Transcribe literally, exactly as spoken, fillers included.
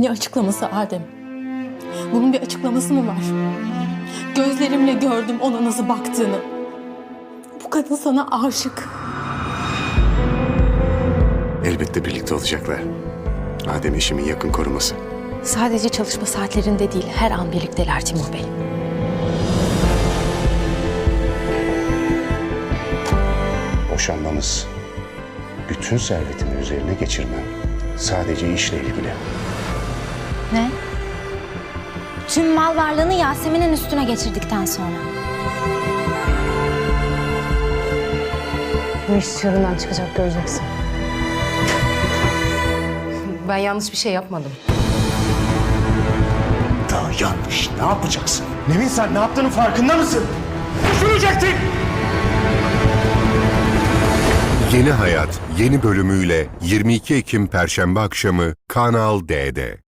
Ne açıklaması Adem? Bunun bir açıklaması mı var? Gözlerimle gördüm ona nasıl baktığını. Bu kadın sana aşık. Elbette birlikte olacaklar. Adem eşimin yakın koruması. Sadece çalışma saatlerinde değil, her an birlikteler Timur Bey. Boşanmamız, bütün servetimi üzerine geçirmem sadece işle ilgili. Ne? Tüm mal varlığını Yasemin'in üstüne geçirdikten sonra. Bu iş çığırından çıkacak, göreceksin. Ben yanlış bir şey yapmadım. Daha yanlış ne yapacaksın? Nevin sen ne yaptığının farkında mısın? Düşünecektin! Yeni Hayat yeni bölümüyle yirmi iki Ekim Perşembe akşamı Kanal D'de.